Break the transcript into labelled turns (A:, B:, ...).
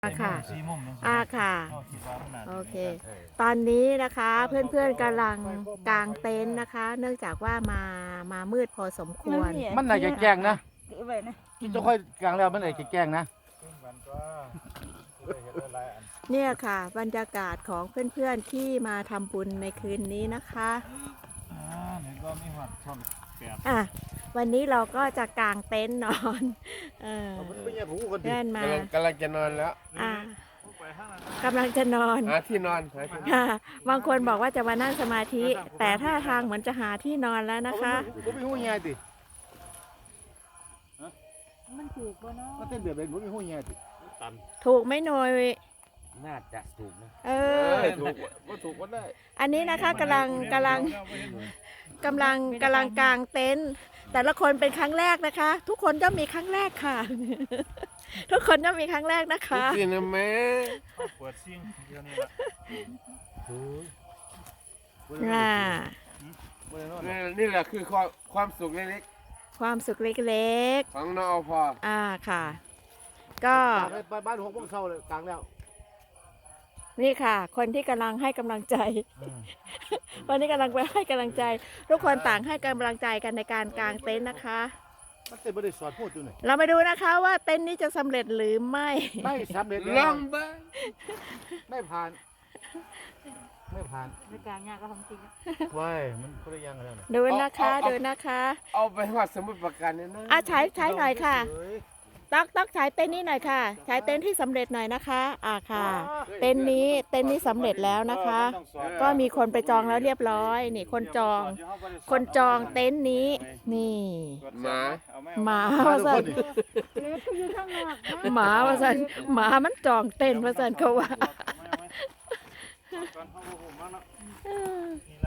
A: ค่ะค่ะ โอเค
B: เออ
A: ตอนนี้นะคะเพื่อนๆกำลังกางเต็นท์นะคะ เนื่องจากว่ามามืดพอสมควร
B: มันน่าจะแกล้งนะ
C: ไว้นะ
B: กินจะค่อยกลางแล้วมันน่าจะแกล้งนะ
A: เนี่ยค่ะ บรรยากาศของเพื่อนๆที่มาทำบุญในคืนนี้นะคะอ่ะวันนี้เราก็จะกางเต็นท์นอนเพื่อนมาก
D: ำลังจะนอนแล้ว
A: อ่ะกำลังจะนอน
D: หาที่นอนหาที่นอน
A: ค่ะบางคนบอกว่าจะมานั่งสมาธิ แต่ท่าทางเหมือนจะหาที่นอนแล้วนะคะ
B: ผมมีหูใหญ่ติ
C: มันถูกป่ะเนาะ
B: มันเต้นแบบเป็นผมมีหูใหญ่ติ
A: ถูกไหมหน่อย
D: น่าจะถูกนะ
A: เออ
D: ถูกว่าถูกก็ได้
A: อันนี้นะคะกำลังกางเต็นท์แต่ละคนเป็นครั้งแรกนะคะ ทุกคนต้องมีครั้งแรกค่ะ ทุกคนต้องมีครั้งแรกนะคะ
D: กินนะแม่
E: เปิดซิ่งเดียวนี่ละ
A: น่ะ
D: นี่แหละคือความสุขเล็ก
A: ความสุขเล็ก
D: ๆของน้องอพอ
A: ๆค่ะ ก็
B: บ้าน6 โมงเช้าเลยกลางแล้ว
A: นี่ค่ะ คนที่กำลังให้กำลังใจ วันนี้กำลังไปให้กำลังใจ ทุกคนต่างให้กำลังใจกันในการกางเต็นท์นะคะ
B: มันเต้นบ่ได้สอนพูดอยู่ไหน
A: เรามาดูนะคะว่าเต็นท์นี้จะสำเร็จหรือไม่
B: ไม่สำเร็จ
D: ล
B: แล้
D: อ
B: ว
D: งเบ้าง
B: ไม่ผ่าน ไม่ผ่าน
C: ในกลางยากก็ทำจริง
B: ว้ายมันคนละอย่างกันแล้วนะ
A: ดูนะคะดูนะคะ
D: เอาไปวัดสมุดประการเนี่ยนะ
A: ใช้หน่อยค่ะ
B: เฮ้ย
A: ต๊อกใช้เต็นท์นี้หน่อยค่ะ ใช้เต็นท์ที่สำเร็จหน่อยนะคะค่ะ เต็นท์นี้สำเร็จแล้วนะคะ ก็มีคนไปจองแล้วเรียบร้อยนี่คนจองเต็นท์นี้นี่
D: หมา
A: หมา
B: มา
A: ว่า
B: ทุก
A: สั
B: คน นดิ
C: เล็กก็อยู่ข้างนอกนะ
A: หมาว่าสันหมามันจองเต็นท์ว่าสันเขาว่า